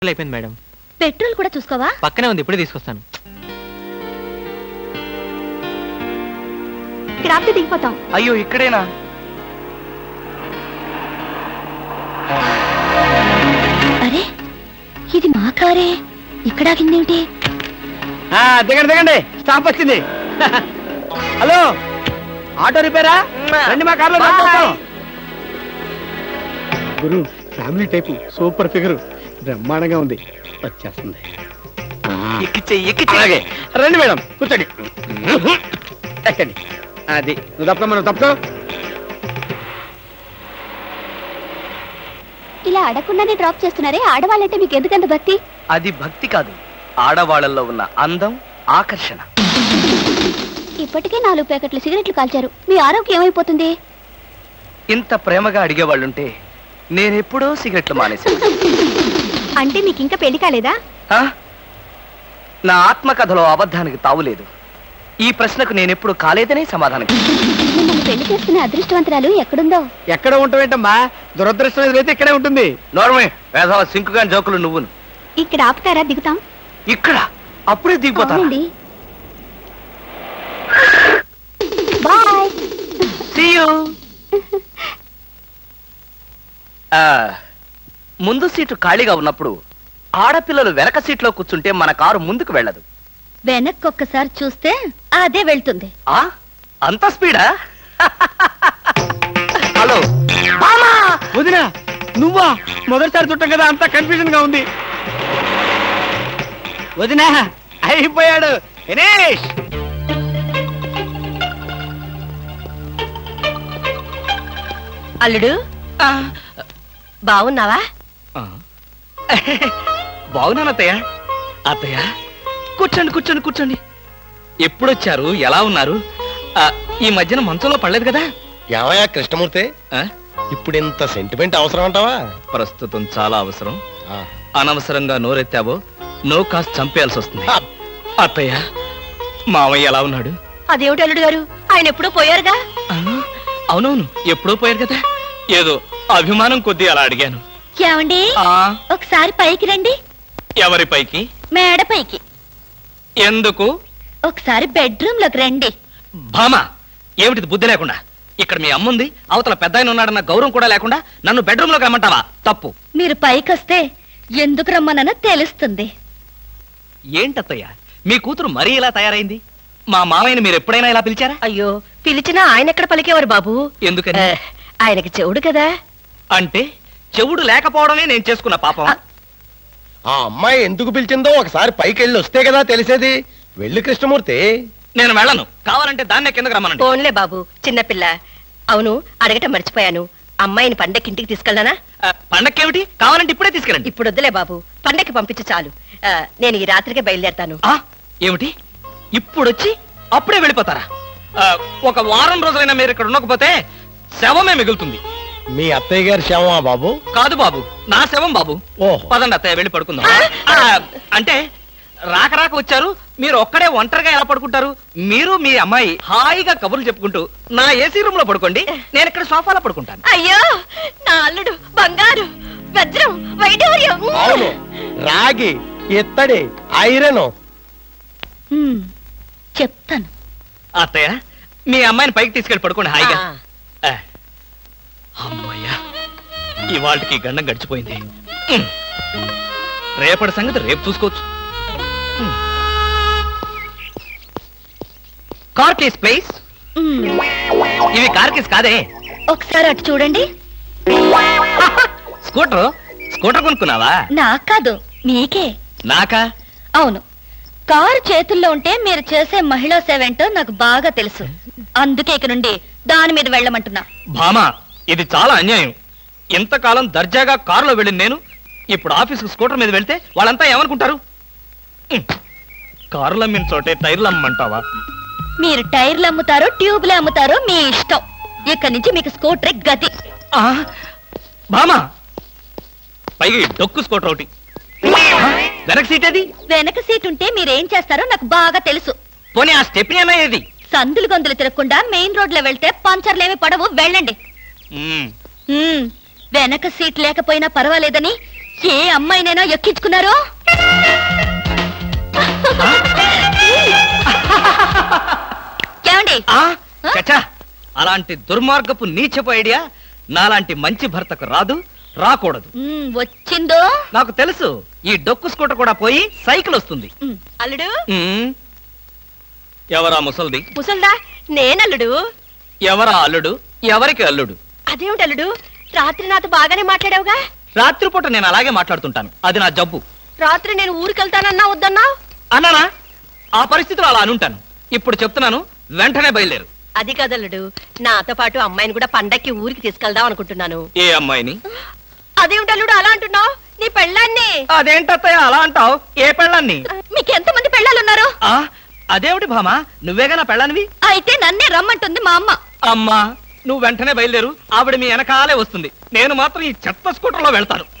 అయిపోయింది madam. Petrol కూడా చూసుకోవా? పక్కనే ఉంది, ఇప్పుడే తీసుకొస్తాను. ఇక్కడ ఆపితే దిగిపోతాం. అయ్యో ఇక్కడేనా? అరే ఇది మా కారే, ఇక్కడ ఆగిందేమిటి? దిగండి దిగండి, స్టాప్ వచ్చింది. హలో, ఆటో రిపేరా? రండి మా కార్లో. గురు ఫ్యామిలీ టైపు, సూపర్ ఫిగర్, బ్రహ్మాండంగా ఉంది. వచ్చేస్తుంది. అలాగే రండి మేడం, కూర్చోండి. ఎక్కండి. అది నువ్వు తప్ప మనం తప్ప. ఇలా అడగకుండానే డ్రాప్ చేస్తున్నారే, ఆడవాళ్ళంటే మీకు ఎందుకంత భక్తి? అది భక్తి కాదు, ఆడవాళ్ళల్లో ఉన్న అందం, ఆకర్షణ. ఇప్పటికే 4 ప్యాకెట్లు సిగరెట్లు కాల్చారు, మీ ఆరోగ్యం ఏమైపోతుంది? ఇంత ప్రేమగా అడిగేవాళ్ళుంటే నేనెప్పుడో సిగరెట్లు మానేశాను. అంటే మీకు ఇంకా పెళ్లి కాలేదా? నా ఆత్మకథలో అబద్ధానికి తావులేదు. ఈ ప్రశ్నకు నేనెప్పుడు కాలేదనే సమాధానం. మిమ్మల్ని పెళ్లి చేసుకునే అదృష్టవంతరాలు ఎక్కడుందో? ఎక్కడ ఉంటావేంటమ్మా, దురదృష్టం ఎదురైతే ఇక్కడే ఉంటుంది. నోర్మే వేసవ సింకుగాని జోకులు నువ్వును. ఇక్కడ ఆపుతారా? దిగుతాం. ఇక్కడ అప్పుడే దిగిపోతానండి. బాయ్. See you. ముందు సీటు ఖాళీగా ఉన్నప్పుడు ఆడపిల్లలు వెనక సీట్లో కూర్చుంటే మన కారు ముందుకు వెళ్ళదు. వెనక్కి ఒక్కసారి చూస్తే అదే వెళ్తుంది. అంత స్పీడా? హలో వదినా, నువ్వా? మొదటిసారి చుట్టం కదా, అంత కన్ఫ్యూజన్ గా ఉంది. వదినా అయిపోయాడు, ఫినిష్. అల్లుడు బాగున్నావా? బాగున్నాను అత్తయ్య. అత్తయ్య కూర్చోండి కూర్చోండి కూర్చోండి. ఎప్పుడొచ్చారు, ఎలా ఉన్నారు? ఈ మధ్యన మంచంలో పడలేదు కదా? ఏమయ్యా కృష్ణమూర్తి, ఇప్పుడు ఇంత సెంటిమెంట్ అవసరం అంటావా? ప్రస్తుతం చాలా అవసరం. అనవసరంగా నోరెత్తావో నో కాస్త చంపేయాల్సి వస్తుంది. అత్తయ్య మావయ్య ఎలా ఉన్నాడు? అదేమిటి అల్లుడు గారు, ఆయన ఎప్పుడూ పోయారుగా? అవునవును, ఎప్పుడో పోయారు కదా. ఏదో అభిమానం కొద్దీ అలా అడిగాను. ఏమండి, ఒకసారి పైకి రండి. ఎవరి పైకి? మేడ పైకి. ఎందుకు? ఒకసారి బెడ్రూమ్ లోకి రండి. భామా, ఏమిటిది బుద్ధి లేకుండా? ఇక్కడ మీ అమ్ముంది, అవతల పెద్ద ఆయన ఉన్నాడన్న గౌరవం కూడా లేకుండా నన్ను బెడ్రూమ్ లోకి రమ్మంటావా? తప్పు. మీరు పైకొస్తే ఎందుకు రమ్మనో తెలుస్తుంది. ఏంటత్తయ్య, మీ కూతురు మరీ ఇలా తయారైంది? మా మామయ్యని మీరు ఎప్పుడైనా ఇలా పిలిచారా? అయ్యో, పిలిచినా ఆయన ఎక్కడ పలికేవారు బాబు? ఎందుకని? ఆయనకి చెవుడు కదా. అంటే చెవుడు లేకపోవడమే నేను చేసుకున్న పాపం. ఆ అమ్మాయి ఎందుకు పిలిచిందో ఒకసారి పైకి వెళ్ళి వస్తే కదా తెలిసేది. వెళ్ళి కృష్ణమూర్తి. నేను వెళ్ళను, కావాలంటే దాన్నే కిందకు రమ్మనండి. ఫోన్లే బాబు, చిన్నపిల్ల. అవును, అడగటం మర్చిపోయాను, అమ్మాయిని పండక్కి ఇంటికి తీసుకెళ్ళనా? పండక్కేమిటి, కావాలంటే ఇప్పుడే తీసుకెళ్ళండి. ఇప్పుడు వద్దులే బాబు, పండక్కి పంపించు చాలు. నేను ఈ రాత్రికే బయలుదేరతాను. ఏమిటి, ఇప్పుడొచ్చి అప్పుడే వెళ్ళిపోతారా? ఒక వారం రోజులైనా మీరు ఇక్కడ ఉండకపోతే శవమే మిగులుతుంది. మీ అత్తయ్య గారి శవమా బాబు? కాదు బాబు, నా శవం బాబు. ఓహో. పదండి అత్తయ్య, వెళ్ళి పడుకుందాం. అంటే రాక రాక వచ్చారు, మీరు ఒక్కడే ఒంటరిగా ఎలా పడుకుంటారు? మీరు మీ అమ్మాయి హాయిగా కబుర్లు చెప్పుకుంటూ నా ఏసీ రూమ్ లో పడుకోండి, నేను ఇక్కడ సోఫాలో పడుకుంటాను. అయ్యో, నా అల్లుడు బంగారు, వజ్రం, వైఢూర్యం. అవును, రాగి, ఇత్తడి, ఐరన్. చెప్తాను. అత్తయ్య, మీ అమ్మాయిని పైకి తీసుకెళ్ళి పడుకోండి హాయిగా. అమ్మయ్యా, ఇవాళకి గండం గడిచిపోయింది. రేపటి సంగతి రేపు చూసుకోవచ్చు. Car keys please. ఇవి కార్ కేస్ కాదే. ఒకసారి అటు చూడండి. స్కూటర్ కొనుక్కున్నావా? నాకు కాదు, మీకే. నాకా? అవును, కారు చేతుల్లో ఉంటే మీరు చేసే మహిళా సేవ ఏంటో నాకు బాగా తెలుసు. అందుకే ఇక నుండి దాని మీద వెళ్ళమంటున్నా. భామా, ఇది చాలా అన్యాయం. ఇంతకాలం దర్జాగా కారులో వెళ్ళింది నేను, ఇప్పుడు ఆఫీసుకు స్కూటర్ మీద వెళ్తే వాళ్ళంతా ఏమనుకుంటారు? కారులు అమ్మిన చోటే టైర్లు అమ్మంటావా? మీరు టైర్లు అమ్ముతారో ట్యూబ్లు అమ్ముతారో మీ ఇష్టం. ఇక్కడి నుంచి మీకు స్కూటర్ గతి. భామా, పైగా డొక్కు స్కూటర్ ఒకటి. వెనక సీట్ ఏది? వెనక సీట్ ఉంటే మీరేం చేస్తారో నాకు బాగా తెలుసు. పోనీ ఆ స్టెప్నీ అన్నా ఏది? సందులు గొంతులు తిరగకుండా మెయిన్ రోడ్ లో వెళ్తే పంచర్లేమి పడవు, వెళ్ళండి. వెనక సీట్ లేకపోయినా పర్వాలేదని ఏ అమ్మాయినైనా ఎక్కించుకున్నారో ఏమండి ఆ చచ్చా అలాంటి దుర్మార్గపు నీచపు ఐడియా నాలాంటి మంచి భర్తకు రాదు, రాకూడదు. వచ్చిందో నాకు తెలుసు, ఈ డొక్కు స్కూటర్ కూడా పోయి సైకిల్ వస్తుంది. అల్లుడు ఉమ్, ఎవరా ముసల్ది? ముసల్దా నేనల్లుడు. ఎవరా అల్లుడు? ఎవరికి అల్లుడు? అదేమిటి అల్లుడు, రాత్రి నాతో బాగానే మాట్లాడావుగా. రాత్రిపూట నేను అలాగే మాట్లాడుతుంటాను, అది నా జబ్బు. రాత్రి నేను ఊరికెళ్తానన్నా వద్దన్నా. అన్నానా? ఆ పరిస్థితిలో అలా అనుంటాను. ఇప్పుడు చెప్తున్నాను, వెంటనే బయలుదేరు. అది కదల్లుడు, నాతో పాటు అమ్మాయిని కూడా పండక్కి ఊరికి తీసుకెళ్దాం అనుకుంటున్నాను. ఏ అమ్మాయిని? అదేమిటి అల్లుడు అలా అంటున్నావు? నీ పెళ్ళాన్ని. అదేంటత్తయ్య అలా అంటావు? ఏ పెళ్ళాన్ని? మీకు ఎంతమంది పెళ్ళాలున్నారు? ఆ అదేమిటి భామా, నువ్వేగా నా పెళ్ళానివి? అయితే నన్నే రమ్మంటుంది మా అమ్మ. అమ్మా నువ్వు వెంటనే బయలుదేరు, ఆవిడ మీ వెనకాలే వస్తుంది. నేను మాత్రం ఈ చెత్త స్కూటర్లో వెళ్తాను.